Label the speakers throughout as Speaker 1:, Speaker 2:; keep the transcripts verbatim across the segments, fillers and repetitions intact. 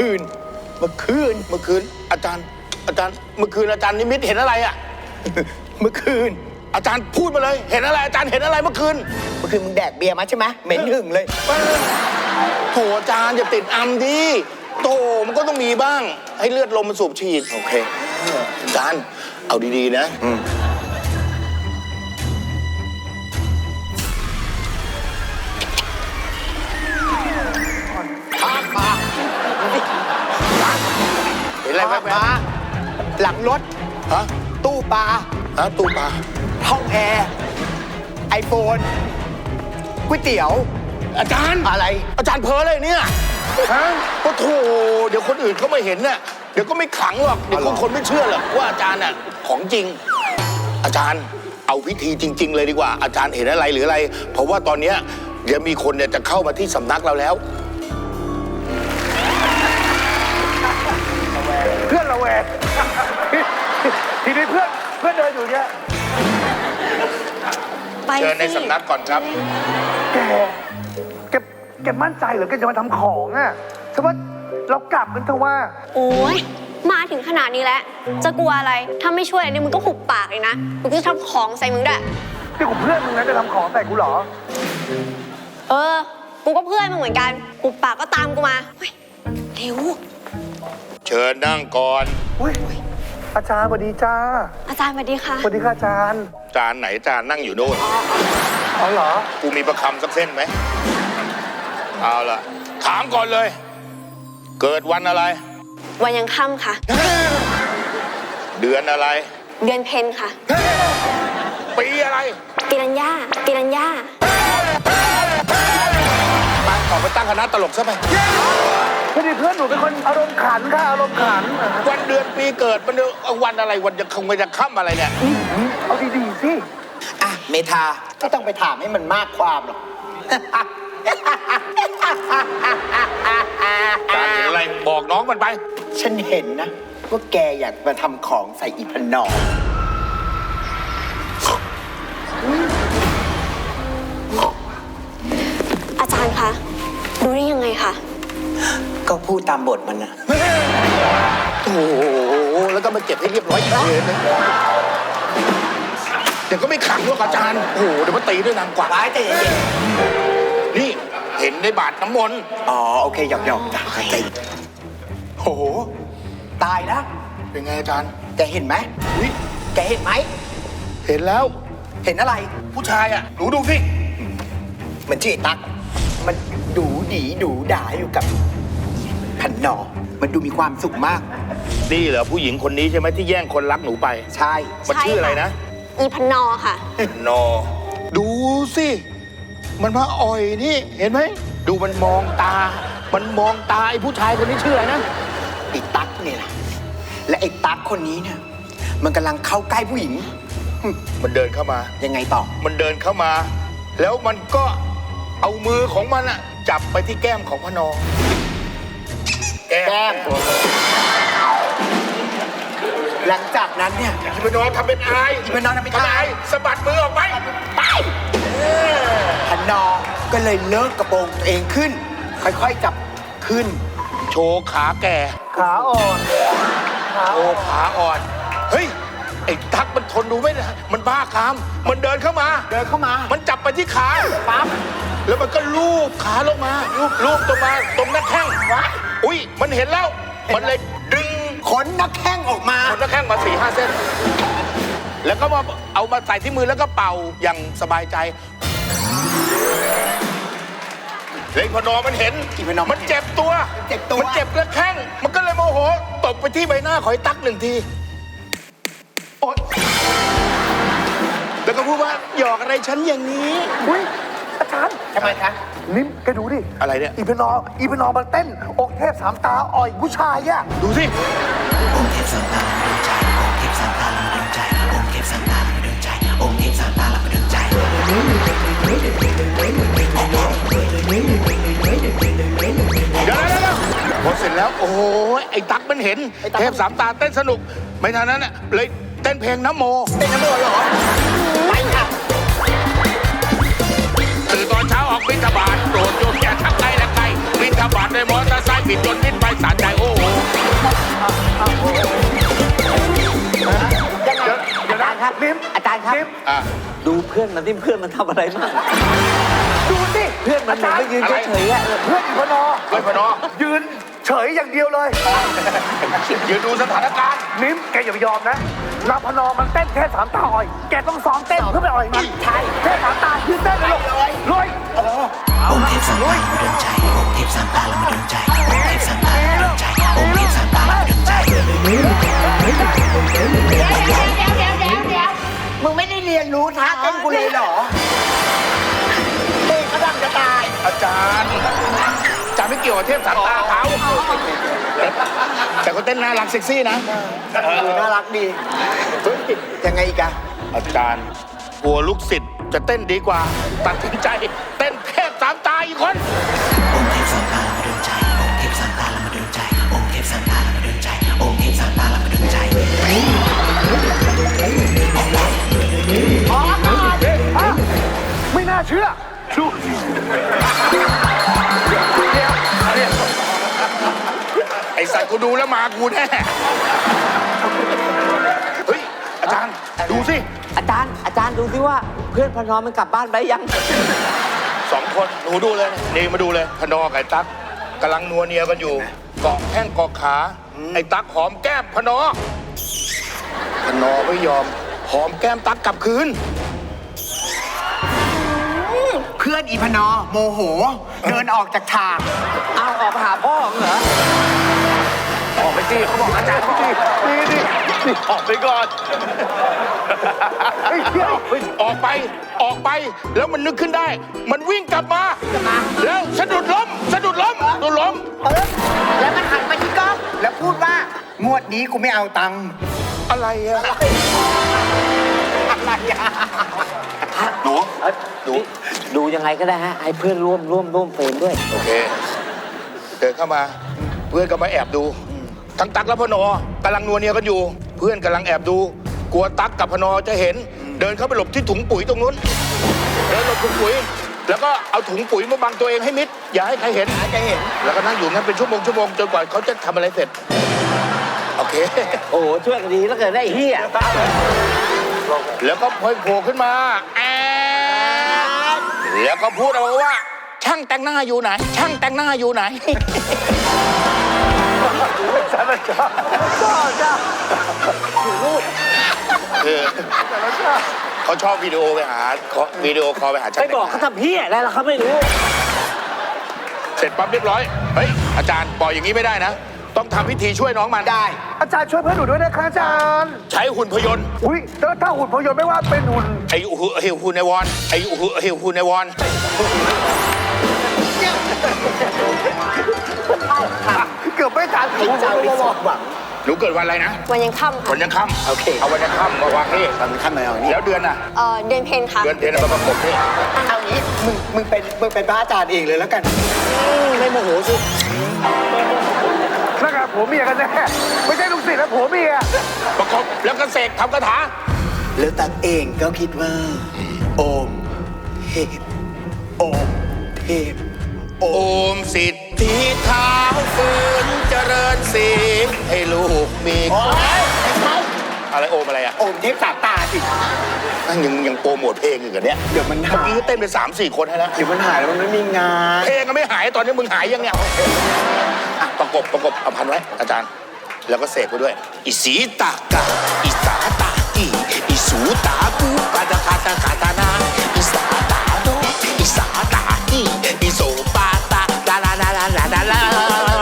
Speaker 1: คืนเมื่อคืน
Speaker 2: เมื่อคืนอาจารย์อาจารย์เมื่อคืนอาจารย์นิมิตเห็นอะไรอ่ะ
Speaker 1: เมื่อคืน
Speaker 2: อาจารย์พูดมาเลยเห็นอะไรอาจารย์เห็นอะไรเมื่อคืน
Speaker 1: เมื่อคืนมึงแดกเบียร์มาใช่ไหมเหม็นหึ่งเลย
Speaker 2: โถอาจารย์อย่าติดอัมดิโตมันก็ต้องมีบ้างให้เลือดลมมันสูบฉีด
Speaker 1: โอเค
Speaker 2: อาจารย์เอาดีๆนะ
Speaker 1: พาพา
Speaker 2: เห็นอะไรแว๊บ
Speaker 1: หลังรถ
Speaker 2: ฮะ
Speaker 1: ตู้ปลา
Speaker 2: ฮะตู้ปลา
Speaker 1: ห้องแอร์ไอโฟนก๋วยเตี๋ยว
Speaker 2: อาจารย์
Speaker 1: อะไร
Speaker 2: อาจารย์เพ้อเลยเนี่ยฮะก็โถเดี๋ยวคนอื่นเขาไม่เห็นน่ะเดี๋ยวก็ไม่ขลังหรอกเดี๋ยวคนไม่เชื่อหรอกว่าอาจารย์น่ะของจริงอาจารย์เอาวิธีจริงๆเลยดีกว่าอาจารย์เห็นอะไรหรืออะไรเพราะว่าตอนเนี้ยเดี๋ยวมีคนเนี่ยจะเข้ามาที่สำนักเราแล้ว
Speaker 3: เพื่อนระแวงทีนี้เพื่อนเพื่อนเดินอยู่เนี่ย
Speaker 2: เชิญในสำนักก่อนครับ
Speaker 3: แกแกแกมั่นใจเหรอแกจะมาทำของอ่ะใช่ว่าเรากลับกันเถอะว่า
Speaker 4: โอ้ยมาถึงขนาดนี้แล้วจะกลัวอะไรถ้าไม่ช่วยอะไรเนี่ยมึงก็หุบปากเลยนะมึงก็จะทำของใส่มึงด้วย
Speaker 3: นี่กูเพื่อนมึงนะจะทำของใส่กูเหรอ
Speaker 4: เออกูก็เพื่อนมึงเหมือนกันหุบปากก็ตามกูมาเร็ว
Speaker 2: เชิญนั่งก่อน
Speaker 3: อุ้ยอาจารย์สวัสดีจ้า
Speaker 4: อาจารย์สวัสดีค่ะ
Speaker 3: สวัสดีค่ะอาจารย์
Speaker 2: อาจารย์ไหนอาจารย์นั่งอยู่โน่น
Speaker 3: อ๋อเหรอ
Speaker 2: กูมีประคำสักเส้นไหมเอาล่ะถามก่อนเลยเกิดวันอะไร
Speaker 4: วันยังค่ำค่ะ
Speaker 2: เดือนอะไร
Speaker 4: เดือนเพ็ญค่ะ
Speaker 2: ปีอะไร
Speaker 4: ปีรัญญาปีรัญญา
Speaker 2: มาขอไปตั้งคณะตลกซะไป
Speaker 3: พอดีเพื่อนหนูเป็นคนอารมณ์ขันค่ะอารมณ์ขัน
Speaker 2: วันเดือนปีเกิดมันวันอะไรวันจะคงจะค่ำอะไรเนี่ย
Speaker 3: เอาดีๆสิ
Speaker 1: อ่ะเมธาไม่ต้องไปถามให้มันมากความหรอก
Speaker 2: การเห็นอะไรบอกน้องมันไป
Speaker 1: ฉันเห็นนะว่าแกอยากมาทำของใส่อีพนอ
Speaker 4: อาจารย์คะดูได้ยังไงคะ
Speaker 1: ก็พูดตามบทมันนะ
Speaker 2: โอ้โหแล้วก็มาเก็บให้เรียบร้อยเลยเดี๋ยวก็ไม่ขังด้วยอาจารย์โอ้โหเดี๋ยวมาตีด้วยนางกวัก
Speaker 1: ร้ายแต่เย็น
Speaker 2: นี่เห็นในบาทน้ำมนต์
Speaker 1: อ๋อโอเคหยอกหยอกจ้ะใจโอ้โหตายนะ
Speaker 2: เป็นไงอาจารย์
Speaker 1: แกเห็นไหมอุ้ยแกเห็นไหม
Speaker 2: เห็นแล้ว
Speaker 1: เห็นอะไร
Speaker 2: ผู้ชายอ่ะหนูดูสิ
Speaker 1: มันชื่อไอ้ตั๊กมันดูดีดูด่าอยู่กับพันนอมันดูมีความสุขมาก
Speaker 2: นี่เหรอผู้หญิงคนนี้ใช่ไหมที่แย่งคนรักหนูไป
Speaker 1: ใช่
Speaker 2: มันชื่ออะไรนะ
Speaker 4: อีพันนอค่ะ
Speaker 2: นอดูสิมันมาอ่อยนี่เห็นไหมดูมันมองตามันมองตาไอ้ผู้ชายคนนี้ชื่ออะไรนะ
Speaker 1: ไอ้ตั๊กเนี่ยแหละและไอ้ตั๊กคนนี้เนี่ยมันกำลังเข้าใกล้ผู้หญิง
Speaker 2: มันเดินเข้ามา
Speaker 1: ยังไงต่อ
Speaker 2: มันเดินเข้ามาแล้วมันก็เอามือของมันอะจับไปที่แก้มของพนอ
Speaker 1: แก้มหลังจากนั้นเนี่ย
Speaker 2: อีพนอทำเป็นอาย
Speaker 1: อีพนอทำเป็นอาย
Speaker 2: สะบัดมือออกไปไป
Speaker 1: พนอก็เลยเลิกกระโปรงตัวเองขึ้นค่อยๆจับขึ้น
Speaker 2: โชว์ขาแก่
Speaker 3: ขาอ่อน
Speaker 2: โอ้ขาอ่อนเฮ้ยไอ้ตั๊กมันทนดูไม่ได้มันบ้าคามมันเดินเข้ามา
Speaker 1: เดินเข้ามา
Speaker 2: มันจับไปที่ขาปั๊บแล้วมันก็ลูบขาลงมาลูบลูบตรงมาตรงหน้าแข้งวะอุ้ยมันเห็นแล้วมันเลยดึง
Speaker 1: ขนหน้าแข้งออกมา
Speaker 2: ขนหน้าแข้งมาสี่ห้าเส้นแล้วก็มาเอามาใส่ที่มือแล้วก็เป่าอย่างสบายใจเลยพนอมันเห็นมันเจ็บตัวมันเจ็บกระแข้งมันก็เลยโมโหตบไปที่ใบหน้าของไอ้ตั๊กหนึ่งทีโอ๊ยแล้วก็พูดว่าหยอกอะไรฉันอย่างนี้
Speaker 3: อุ้ยอาจารย์
Speaker 1: ทำไมคะ
Speaker 3: นิ่มแกดูดิ
Speaker 2: อะไรเนี่ย
Speaker 3: อีพนออีพนอมันเต้นองค์เทพสามตาอ่อยผู้ชายอะ
Speaker 2: ดูสิ
Speaker 1: องค์เทพสามตาลำดวงใจองค์เทพสามตาลำดวงใจองค์เทพสามตาลำดวงใจองค์เทพสามตาลำดวงใจ
Speaker 2: เดี๋ยวพอเสร็จแล้วโอ้โหไอ้ตั๊กมันเห็นเทพสามตาเต้นสนุกไม่ทันนั้นน่ะเลยเต้นเพลงน้ำโม
Speaker 1: เป็นน้ำโมเหรอไปค่ะ
Speaker 2: ตื่นตอนเช้าออกบิณฑบาตโปรดโยมอย่าทักไกลและไกลบิณฑทบาทด้วยมอเตอร์ไซค์บิดจนมิดไปสารใจโอ้โห
Speaker 3: ยังไงเดี๋ยวนะนิมอาจารย์ครับ
Speaker 2: อ่ะ
Speaker 5: ดูเพื่อนมันที่เพื่อนมันทำอะไรบ้าง
Speaker 3: ดูสิ
Speaker 5: เพื่อนมันเหมือนไม่ยืนเฉยๆอะ
Speaker 3: เพื่อนอีพนอ
Speaker 2: เฮ้ยพนอ
Speaker 3: ยืนเฉยอย่างเดียวเลย
Speaker 2: ยืนดูสถานการณ์
Speaker 3: นิมแกอย่าไปยอมนะลาพนอมันเต้นแค่สามตาอ่อย แกต้องซ้อมเต้นเพื่อไปอ่อยมันใช่แค่สามตายืนเต้นเลยเลยเลย
Speaker 6: องค์เทพสามตาละมาดนใจองค์เทพสามตาละมาดนใจองค์เทพสามตาละมาดนใจองค์เทพสามตาละมาดนใจ
Speaker 1: เดี๋ยวเดี๋ยวเดี๋ยวเดี๋ยวมึงไม่ได้เรียนรู้ท่าเต้นกูเลยเหรอเต้นกระดังจะตาย
Speaker 2: อาจารย์อาจารย์ไม่เกี่ยวกับเทพสามตาเขาแต่แต่เขาเต้นน่ารักเซ็กซี่นะ
Speaker 1: เออน่ารักดีเฮ้ยยังไงอีกอะ
Speaker 2: อาจารย์กลัวลูกศิษย์จะเต้นดีกว่า ตัดสินใจเต้นเทพสามตาอีกคน
Speaker 6: องค์เทพสามตาละมาดนใจองค์เทพสามตาละมาดนใจองค์เทพสามตาละมาดนใจองค์เทพสามตาละมาดนใจ
Speaker 3: อ๋ออ่ะไม่น่าเชื่อดูเดี๋ยวเดี๋ยว
Speaker 2: ไอสัตว์กูดูแล้วมากูแน่เฮ้ยอาจารย์ดูสิ
Speaker 5: อาจารย์อาจารย์ดูสิว่าเพื่อนพนอมมันกลับบ้านไปยัง
Speaker 2: สองคนหนูดูเลยนี่มาดูเลยพนอกับไอ้ตั๊กกำลังนัวเนียกันอยู่เกาะแข้งเกาะขาไอ้ตั๊กหอมแก้มพนอพนอไม่ยอมหอมแก้มตั๊กกลับคืน
Speaker 1: เพื่อนอีพนอโมโห เดินออกจากฉาก
Speaker 5: เอาออกไปหาพ่อมึงเหรอ
Speaker 3: ออกไปสิเขาบอกอาจารย์เขาสินี่นี่นี่ออกไปก่อนเฮ้ยเดี๋ยวเฮ้ย
Speaker 2: ออกไปออกไปแล้วมันนึกขึ้นได้ มันวิ่งกลับมาแล้วสะดุดล้มสะดุดล้มสะดุดล้ม
Speaker 1: เออแล้วมันหันมาที่กล้องแล้วพูดว่างวดนี้กูไม่เอาตังค์
Speaker 2: อะไรอะ
Speaker 1: อะไรอะ
Speaker 2: หนู
Speaker 5: เอ้ย
Speaker 2: หนู
Speaker 5: ดูยังไงก็ได้ฮะให้เพื่อนร่วมร่วมร่วมเฟรมด้วย
Speaker 2: โอเคเดินเข้ามาเพื่อนก็มาแอบดูทั้งตั๊กและพนอกำลังนัวเนียกันอยู่ เพื่อนกำลังแอบดู กลัวตั๊กกับพนอจะเห็น เดินเข้าไปหลบที่ถุงปุ๋ยตรงนู้นเดินหลบถุงปุ๋ย แล้วก็เอาถุงปุ๋ยมาบังตัวเองให้มิดอย่าให้ใครเห็น
Speaker 1: หาจะเห็น
Speaker 2: แล้วก็นั่งอยู่งั้นเป็นชั่วโมงชั่วโมงจนกว่าเขาจะทำอะไรเสร็จโอเค
Speaker 5: โอ้โหช่วยกันดีแล้วเกิดได้ไอ้เฮีย
Speaker 2: แล้วก็พอยโผล่ขึ้นมาแอบแล้วก็พูดออกมาว่า ช่างแต่งหน้าอยู่ไหน ช่างแต่งหน้าอยู่ไหน
Speaker 3: สารชาจ้าจ้า
Speaker 2: คือเขาชอบวิดีโอไปหาเขาวิดีโอคอลไปหาช่าง
Speaker 5: ไป
Speaker 2: แต่ง
Speaker 5: บอก
Speaker 2: ห
Speaker 5: เขา
Speaker 2: น้า
Speaker 5: ทำเฮียอะไรล่ะเขาไม่รู้
Speaker 2: เสร็จปั๊บเรียบร้อยเฮ้ยอาจารย์ปล่อยอย่างนี้ไม่ได้นะ ต้องทำพิธีช่วยน้องมัน
Speaker 1: ได้
Speaker 3: อาจารย์ช่วยเพื่อนหนูด้วยนะคะอาจารย์
Speaker 2: ใช้หุ่นพยนต์
Speaker 3: อุ้ยแล้วถ้าหุ่นพยนต์ไม่ว่าเป็นหุ่น
Speaker 2: ไอ้หุ่นเฮลหุ่นในวอนไอ้หุ่นเฮลหุ่นในวอน
Speaker 3: เกือบไม่ทัน
Speaker 1: ให้เจ้าได้สมหวัง
Speaker 2: หนูเกิดวันอะไรนะ
Speaker 4: วันยังค่ำ
Speaker 2: วั
Speaker 4: ค่ะ
Speaker 2: นยังค่ำ
Speaker 1: โอเค
Speaker 2: เอาวันยังค่ำมาวางนี่
Speaker 1: ตอนนี้ขั้นมาเอานี่
Speaker 2: แล้วเดือนน่ะ
Speaker 4: เอ่อเดือนเพ็ญค่ะ
Speaker 2: เดือนเพ็ญมาประกบนี่
Speaker 1: เอางี้มึงมึงเป็นมึงเป็นพระอาจารย์เองเลยแล้วกัน
Speaker 5: ไม่โมโหสิ
Speaker 3: นั่นไงผัวเมียกันแน่ไม่ใช่ลูกศิษย์แล้วผัวเมีย
Speaker 2: ประกบแล้วก็เสกทำคาถา
Speaker 1: แล้วตักเองก็คิดว่า โอมเทพโอมเทพโอ
Speaker 2: โอ
Speaker 1: ม
Speaker 2: มสิทธิเท้าฟื้นเจริญสีให้ลูกมี
Speaker 1: โอ้ยไม่ใช่
Speaker 2: อะไรโอมอะไรอ่ะ
Speaker 1: โอมเทพสามตาสิ
Speaker 2: นั่งยังยังโปรโมทเพลงอยู่กันเนี้ย
Speaker 1: เดี๋ยวมัน
Speaker 2: เมื่
Speaker 1: หา
Speaker 2: อย กี้ก็เต้นไปสามสี่คนให้แล้ว
Speaker 1: เดี๋ยวมันหายแล้วมันไม่มีงาน
Speaker 2: เพลงก็ไม่หายตอนนี้มึงหายยังเนี่ยอ่ะประกบประกบเอาพันไว้อาจารย์ แล้วก็เสกไปด้วย อิสีตากาอิสาตาอีอิสูตากูกาตาคาตาคาตานาอิสาตาโดอิสาตาอีอิโสปาตาลาลาลาลาลาลาลา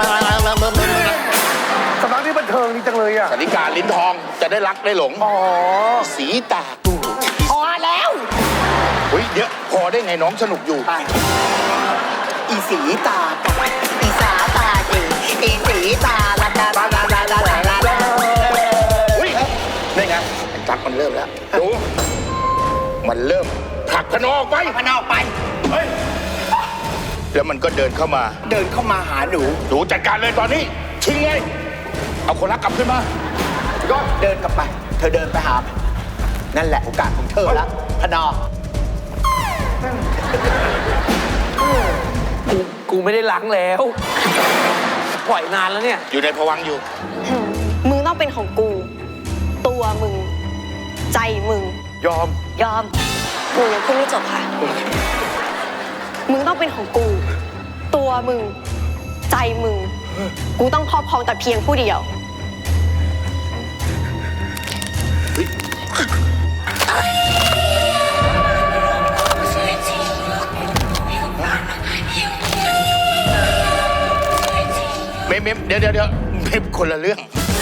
Speaker 3: สำนักนี้บันเทิงดีจังเลยอ่ะ
Speaker 2: สาริกาลิ้นทองจะได้รักได้หลง
Speaker 3: อ๋อ
Speaker 2: สีตากู
Speaker 1: พอแล้ว
Speaker 2: เฮ้ยเดี๋ยวพอได้ไงน้องสนุกอยู่
Speaker 1: ไปอีสีตาตาอีสาตาจีอีสีตาลาลาลาลาลาลาลาลาลา
Speaker 2: เฮ้ยได้ไงไอ้ตั๊กมันเริ่มแล้วดูมันเริ่มผลักพนอออกไป
Speaker 1: พนออกไป
Speaker 2: เฮ้ยแล้วมันก็เดินเข้ามา
Speaker 1: เดินเข้ามาหาหนู
Speaker 2: หนูจัดการเลยตอนนี้ ชิงเลยเอาคนรักกลับขึ้นมา
Speaker 1: ก็เดินกลับไป เธอเดินไปหา นั่นแหละโอกาสของเธอแล้วพนอ
Speaker 3: เ
Speaker 5: กูไม่ได้ล้างแล้ว ปล่อยนานแล้วเนี่ย
Speaker 2: อยู่ในภวังค์อยู่
Speaker 4: มึงต้องเป็นของกู ตัวมึง ใจมึง
Speaker 3: ยอม
Speaker 4: ยอมกูยังพูดไม่จบค่ะ มึงต้องเป็นของกู ตัวมึง ใจมึง กูต้องครอบครองแต่เพียงผู้เดียว
Speaker 2: เมมเมมเดี๋ยวเดี๋ยวเดี๋ยวเมมคนละเรื่อง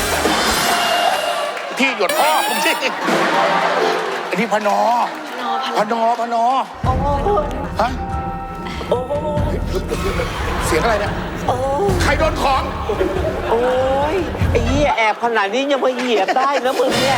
Speaker 2: ที่หยดพ่อผมสิอันนี้พนอพนอพนอฮะเสียงอะไรเนี่ยใครโดนของ
Speaker 5: โอ้ยไอ้เหี้ยแอบขนาดนี้ยังมาเหยียบได้แล้วมึงเนี่ย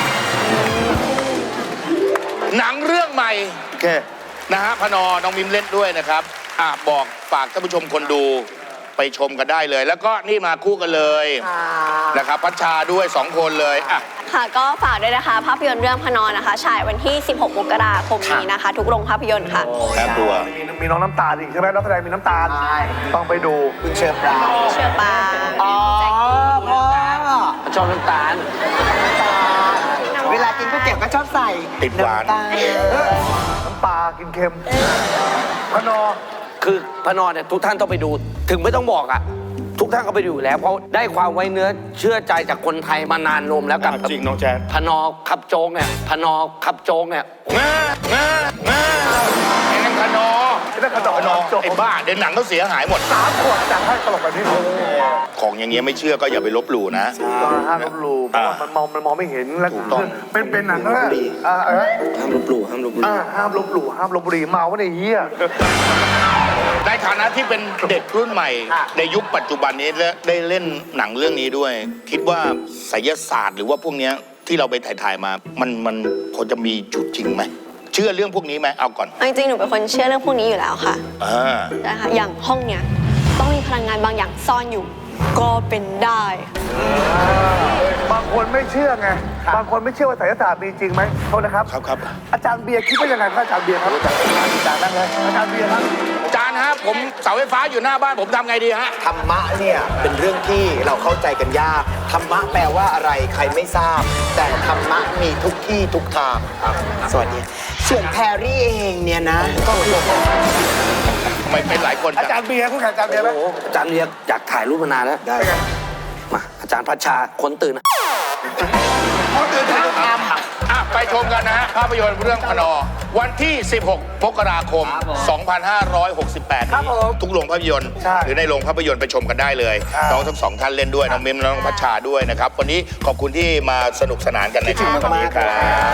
Speaker 2: หนังเรื่องใหม่
Speaker 3: โอเค
Speaker 2: นะฮะพนอน้องมิมเล่นด้วยนะครับอ่ะบอกฝากท่านผู้ชมคนดูไปชมกันได้เลย แล้วก็นี่มาคู่กันเลยนะครับพัชชาด้วยสองคนเลยอ่ะ
Speaker 4: ค่ะก็ฝากด้วยนะคะภาพยนตร์เรื่องพนอนนะคะฉายวันที่ สิบหก มกราคมนี้นะคะ ทุกโรงภาพยนตร์ค่ะ
Speaker 2: ครับตัว
Speaker 3: มีมีน้องน้ำตาลอีกใช่ไหมนักแสดงมีน้ำตาลต้องไปดู
Speaker 1: คุณเชอปราง
Speaker 4: เชื่อปาง
Speaker 1: อ๋อพ่อ
Speaker 5: ชอบน้ำตาล
Speaker 1: เวลากินก๋วยเตี๋ยวก็ชอบใส่
Speaker 2: ติดหวาน
Speaker 1: ำตาล
Speaker 3: น้ำปลากินเค็มพนอ
Speaker 5: คือพระนอนเนี่ยทุกท่านต้องไปดู ถึงไม่ต้องบอกอ่ะ ทุกท่านก็ไปดูอยู่แล้ว เพราะได้ความไว้เนื้อเชื่อใจจากคนไทยมานานนมแล้วกับ
Speaker 2: จริงน้องแจ๊ด
Speaker 5: พนอขับโจ๊กเนี่ยพนอขับโจ๊กเนี่ย
Speaker 2: งางางาไอ้นั่นพนอ
Speaker 3: ไอ้นั่นพนอ
Speaker 2: พนอ
Speaker 3: จบ
Speaker 2: ไอ้บ้าเดี๋ยวหนังเขาเสียหายหมด
Speaker 3: สามขวดจากให้ตลกแบบนี้เลย
Speaker 2: ของอย่างเงี้ยไม่เชื่อก็อย่าไปลบหลู่นะ
Speaker 3: ห้ามลบหลู่เพราะว่ามันมองมันมองไม่เห็นแล้ว
Speaker 2: ถูกต้อง
Speaker 3: เป็นเป็นหนังแล้วอ่าเออ
Speaker 5: ห้ามลบหลู่ห้ามลบหลู่
Speaker 3: อ่าห้ามลบหลู่ห้ามลบบุหรี่เมาวะเนี่ยเฮีย
Speaker 2: ในฐานะที่เป็นเด็กรุ่นใหม่ ในยุคปัจจุบันนี้และได้เล่นหนังเรื่องนี้ด้วย คิดว่าไสยศาสตร์หรือว่าพวกเนี้ยที่เราไปถ่ายๆมา มันมันพอจะมีจุดจริงไหมเชื่อเรื่องพวกนี้ไหมเอาก่อน
Speaker 4: จริงๆหนูเป็นคนเชื่อเรื่องพวกนี้อยู่แล้วค่ะ
Speaker 2: อ่า
Speaker 4: นะคะอย่างห้องเนี้ยต้องมีพลังงานบางอย่างซ่อนอยู่ ก็เป็นได้
Speaker 3: บางคนไม่เชื่อไงบางคนไม่เชื่อว่าไสยศาสตร์มีจริงไหมโทษนะครับ
Speaker 2: ครับครับ
Speaker 3: อาจารย์เบียร์คิดว่ายังไงครับอาจารย์เบียร์ครับอาจารย์นั่งเลยอาจารย์เบียร์ครับ
Speaker 2: อาจารย์ฮะผมเสาไฟฟ้าอยู่หน้าบ้านผมทำไงดีฮะ
Speaker 1: ธรรมะเนี่ยเป็นเรื่องที่เราเข้าใจกันยาก ธรรมะแปลว่าอะไรใครไม่ทราบ แต่ธรรมะมีทุกที่ทุกทางครับสวัสดีส่วนแพรรี่เองเนี่ยนะก็คือ
Speaker 2: ทำไมเป็นหลายคน
Speaker 3: อา
Speaker 2: จัง
Speaker 3: จารย์เบียร์คุณแข่งอาจารย์เบียร์ไหม
Speaker 5: โอ้โหอาจารย์เรียกอยากถ่ายรูปมานานแล้ว
Speaker 1: ได้
Speaker 5: มาอาจารย์พัชชาคนตื่นอะ
Speaker 2: คนอื่นทำอ่ะไปชมกันนะฮะภาพยนตร์เรื่องพนอ วันที่ สิบหก มกราคม สองพันห้าร้อยหกสิบแปด นี้ทุกโรงภาพยนตร์ หรือในโรงภาพยนตร์ไปชมกันได้เลยน้องทั้งสองท่านเล่นด้วยน้องมิมและน้องพัชชาด้วยนะครับ วันนี้ขอบคุณที่มาสนุกสนานกันในวันนี้ครับ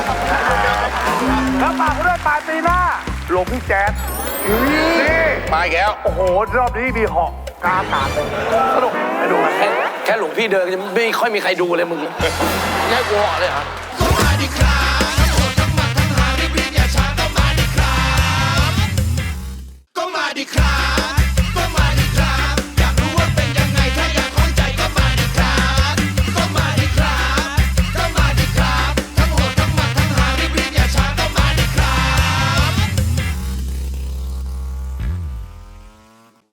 Speaker 3: แล้วฝากเรื่องปาร์ตี้หน้าหลวงพี่แจ๊ดนี่
Speaker 2: มาอีกแล้ว
Speaker 3: โอ้โหรอบนี้มีเหาะกาอากาศเลยสนุกไปดูกัน
Speaker 5: แค่แค่หลวงพี่เดินยังไม่ค่อยมีใครดูเลยมึงแค่กูเหาะเลยเหรอ
Speaker 6: Somebody cry